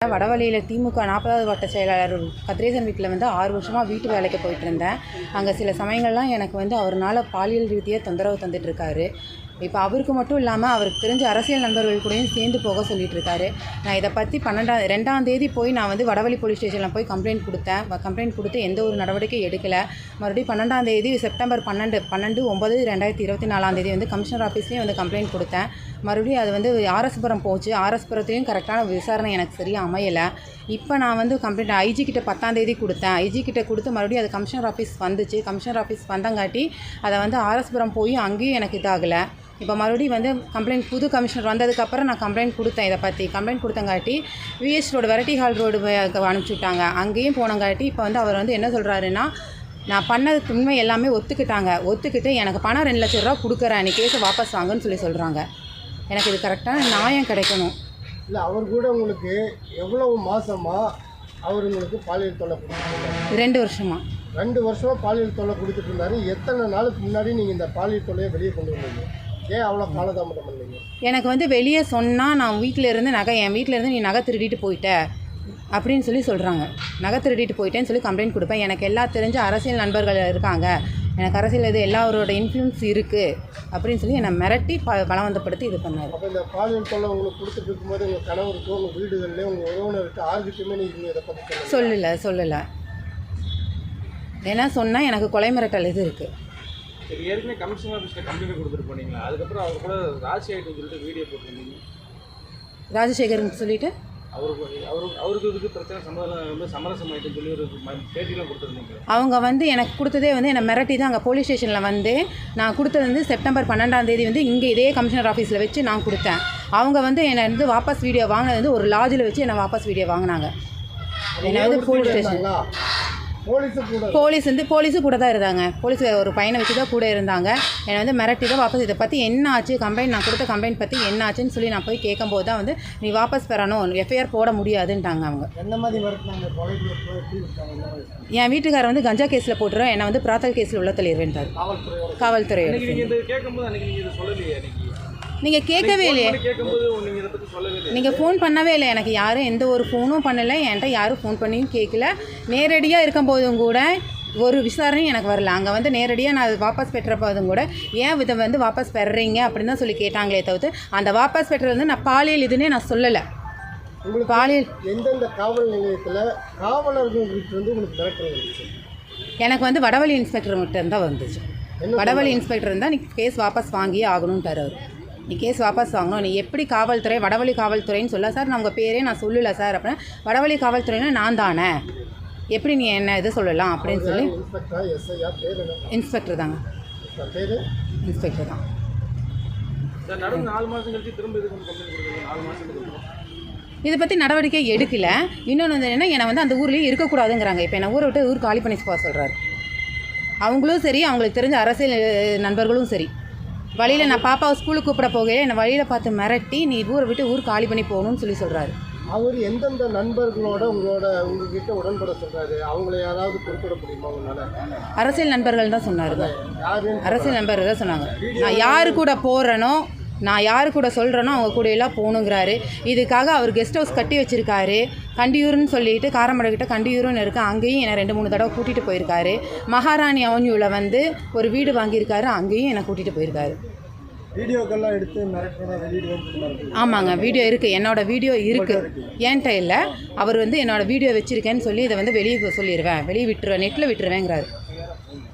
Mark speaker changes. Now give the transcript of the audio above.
Speaker 1: வடவள்ளியில் திமுக 40வது வட்ட செயலாளர் கதிரேசன் வீட்டில் வந்து 6 வருஷமாக வீட்டு வேலைக்கு போயிட்டு இருந்தேன். அங்கே சில சமயங்கள்லாம் எனக்கு வந்து அவர்னால பாலியல் ரீதியாக தொந்தரவு தந்துட்டுருக்காரு. இப்போ அவருக்கு மட்டும் இல்லாமல் அவருக்கு தெரிஞ்ச அரசியல் நண்பர்கள் கூடயும் சேர்ந்து போக சொல்லிட்டு இருக்காரு. நான் இதை பற்றி 2ஆம் தேதி போய் நான் வந்து வடவள்ளி போலீஸ் ஸ்டேஷனில் போய் கம்ப்ளைண்ட் கொடுத்தேன். கம்ப்ளைண்ட் கொடுத்து எந்த ஒரு நடவடிக்கையும் எடுக்கலை. மறுபடியும் 12ஆம் தேதி செப்டம்பர் 12/9/2024 தேதி வந்து கமிஷனர் ஆஃபீஸ்லேயும் வந்து கம்ப்ளைண்ட் கொடுத்தேன். மறுபடியும் அது வந்து ஆர்எஸ்புரம் போச்சு. ஆர்எஸ்புரத்தையும் கரெக்டான விசாரணை எனக்கு சரியாக அமையலை. இப்போ நான் வந்து கம்ப்ளைண்ட் ஐஜி கிட்ட 10ஆம் தேதி கொடுத்தேன். ஐஜி கிட்ட கொடுத்து மறுபடியும் அது கமிஷனர் ஆஃபீஸ் வந்துச்சு. கமிஷனர் ஆஃபீஸ் வந்தங்காட்டி அதை வந்து ஆர்எஸ்புரம் போய் அங்கேயும் எனக்கு இதாகலை. இப்போ மறுபடியும் வந்து கம்ப்ளைண்ட் புது கமிஷனர் வந்ததுக்கப்புறம் நான் கம்ப்ளைண்ட் கொடுத்தேன். இதை பற்றி கம்ப்ளைண்ட் கொடுத்தங்காட்டி V S road variety hall road அனுப்பிச்சி விட்டாங்க. அங்கேயும் போனங்காட்டி இப்போ வந்து அவர் வந்து என்ன சொல்கிறாருன்னா, நான் பண்ணதுக்கு உண்மை எல்லாமே ஒத்துக்கிட்டு எனக்கு பணம் 2 லட்ச ரூபா கொடுக்குறேன், நீ கேஸை வாபஸ் வாங்கன்னு சொல்கிறாங்க. எனக்கு இது கரெக்டான நியாயம் கிடைக்கணும்.
Speaker 2: இல்லை, அவர் கூட உங்களுக்கு எவ்வளவு மாதமாக அவர் உங்களுக்கு பாலியல் தொல்லை கொடுத்துருந்தாரு?
Speaker 1: 2 வருஷமாக.
Speaker 2: 2 வருஷமாக பாலியல் தொல்லை கொடுத்துட்டு இருந்தாரு. எத்தனை நாளுக்கு முன்னாடி நீங்கள் இந்த பாலியல் தொல்லையை வெளியே கொண்டு வந்தீங்க? ஏன் அவ்வளோ காலதாமதம் பண்ணீங்க?
Speaker 1: எனக்கு வந்து வெளியே சொன்னால் நான் வீட்டிலேருந்து என் வீட்டிலேருந்து நீ நகை திருடிட்டு போயிட்ட அப்படின்னு சொல்கிறாங்க. நகை திருடிட்டு போயிட்டேன்னு சொல்லி கம்ப்ளைண்ட் கொடுப்பேன். எனக்கு எல்லாம் தெரிஞ்ச அரசியல் நண்பர்கள் இருக்காங்க, எனக்கு அரசியல் இது எல்லாரோட இன்ஃப்ளூயன்ஸ் இருக்குது அப்படின்னு சொல்லி என்னை மிரட்டி பலவந்தப்படுத்தி இது பண்ணார்.
Speaker 2: அப்போ இந்த பாலியல் தொல்லை உங்களுக்கு கொடுத்துட்டு இருக்கும்போது உங்கள் கணவருக்கு, உங்கள் வீடுகளிலே, உங்கள் உறவினருக்கு யாருக்கிட்டுமே நீங்கள் இதை பற்றி
Speaker 1: சொல்லலை. ஏன்னா சொன்னால் எனக்கு கொலை மிரட்டல் இது இருக்குது.
Speaker 3: சரி, ஏற்கனவே கமிஷனர் ஆஃபீஸில் கம்ப்ளைண்ட் கொடுத்துட்டு போனீங்களா? அதுக்கப்புறம் அவர் கூட ராஜசேகர்னு சொல்லிட்டு வீடியோ போட்டிருந்தீங்க.
Speaker 1: ராஜசேகர்னு சொல்லிட்டு
Speaker 3: அவருக்கு இதுக்கு பிரச்சனை சம்மதம் வந்து சமரசம் ஆகிட்டுன்னு சொல்லி ஒரு பேட்டிலாம் கொடுத்துருந்தீங்க.
Speaker 1: அவங்க வந்து எனக்கு கொடுத்ததே வந்து என்னை மிரட்டி தான் அங்கே போலீஸ் ஸ்டேஷனில் வந்து நான் கொடுத்தது வந்து செப்டம்பர் 12ஆம் தேதி வந்து இங்கே இதே கமிஷனர் ஆஃபீஸில் வச்சு நான் கொடுத்தேன். அவங்க வந்து என்னை வந்து வாபஸ் வீடியோ வாங்கினது வந்து ஒரு லாட்ஜில் வச்சு என்னை வாபஸ் வீடியோ வாங்கினாங்க. என்னை வந்து போலீஸ் ஸ்டேஷன் போலீஸு கூட தான் இருந்தாங்க. போலீஸ் ஒரு பையனை வச்சு தான் கூட இருந்தாங்க. என்னை வந்து மிரட்டி தான் வாபஸ் இதை பற்றி என்ன ஆச்சு, நான் கொடுத்த கம்ப்ளைண்ட் பற்றி என்ன ஆச்சுன்னு சொல்லி நான் போய் கேட்கும்போது தான் வந்து நீ வாபஸ் பெறணும், எஃப்ஐஆர் போட முடியாதுன்ட்டாங்க. அவங்க
Speaker 2: என்ன மாதிரி மிரட்டினாங்க?
Speaker 1: என் வீட்டுக்காரர் வந்து கஞ்சா கேஸில் போட்டுறோம், என்னை வந்து பிராத்தல் கேஸில் உள்ள தள்ளிடுவேன்ட்டார். காவல்துறை நீங்கள் கேட்கவே இல்லையே, நீங்கள் ஃபோன் பண்ணவே இல்லை. எனக்கு யாரும் எந்த ஒரு ஃபோனும் பண்ணலை, என்கிட்ட யாரும் ஃபோன் பண்ணியும் கேட்கல. நேரடியாக இருக்கும்போதும் கூட ஒரு விசாரணையும் எனக்கு வரல. அங்கே வந்து நேரடியாக நான் வாபஸ் பெற்றப்போதும் கூட ஏன் இதை வந்து வாபஸ் பெறுறீங்க அப்படின்னு தான் சொல்லி கேட்டாங்களே தவிர்த்து அந்த வாபஸ் பெற்றது வந்து நான் பாலியல் இதுன்னே நான் சொல்லலை.
Speaker 2: உங்களுக்கு பாலியல் எந்தெந்த காவல் நிலையத்தில் காவலர்கள் வந்து உங்களுக்கு மிரட்டல் வந்துச்சு?
Speaker 1: எனக்கு வந்து வடவள்ளி இன்ஸ்பெக்டர் மட்டும் தான் வந்துச்சு. வடவள்ளி இன்ஸ்பெக்டர் இருந்தால் நீ கேஸ் வாபஸ் வாங்கியே ஆகணும்ட்டார் அவர். நீ கேஸ் வாபஸ் வாங்கணும், நீ எப்படி காவல்துறை வடவள்ளி காவல்துறைன்னு சொல்ல சார், நான் உங்கள் பேரே நான் சொல்லலை சார் அப்படின்னா வடவள்ளி காவல்துறைன்னா நான் தானே, எப்படி நீ என்ன இது சொல்லலாம் அப்படின்னு சொல்லி இன்ஸ்பெக்டர் தாங்க, இன்ஸ்பெக்டர் தான். இதை பற்றி நடவடிக்கை எடுக்கல. இன்னொன்று வந்து என்னென்னா என்னை வந்து அந்த ஊர்லேயே இருக்கக்கூடாதுங்கிறாங்க. இப்போ என்னை ஊரை விட்டு ஊர் காலி பண்ணி போக சொல்கிறாரு. அவங்களும் சரி, அவங்களுக்கு தெரிஞ்ச அரசியல் நண்பர்களும் சரி. வழியில் நான் பாப்பாவை ஸ்கூலுக்கு கூப்பிட போகையில் என்னை வழியில் பார்த்து மிரட்டி நீ ஊரை விட்டு ஊர் காலி பண்ணி போகணும்னு சொல்கிறாரு.
Speaker 2: அவர் எந்தெந்த நண்பர்களோட உங்ககிட்ட உடன்பட சொல்கிறாரு? அவங்கள யாராவது குறிப்பிட முடியுமா உங்களால்?
Speaker 1: அரசியல் நண்பர்கள் தான் சொன்னார். அரசியல் நண்பர்கள் தான் சொன்னாங்க. நான் யாரு கூட போகிறேனோ, நான் யாரு கூட சொல்கிறேனோ அவங்க கூட எல்லாம் போகணுங்கிறாரு. இதுக்காக அவர் கெஸ்ட் ஹவுஸ் கட்டி வச்சுருக்காரு. கண்டியூர்னு சொல்லிட்டு காரமடைக்கிட்ட கண்டியூர்னு இருக்குது, அங்கேயும் என்னை 2-3 தடவை கூட்டிகிட்டு போயிருக்காரு. மகாராணி அவென்யூவில் வந்து ஒரு வீடு வாங்கியிருக்காரு, அங்கேயும் என்னை கூட்டிகிட்டு போயிருக்காரு.
Speaker 2: வீடியோக்கெல்லாம் எடுத்து மிரட்டுறதா?
Speaker 1: ஆமாங்க, வீடியோ இருக்குது, என்னோடய வீடியோ இருக்குது. ஏன்ட்ட இல்லை, அவர் வந்து என்னோடய வீடியோ வச்சுருக்கேன்னு சொல்லி இதை வந்து வெளியே சொல்லிடுவேன், வெளியே விட்டுருவேன், நெட்டில் விட்டுருவேங்கிறாரு.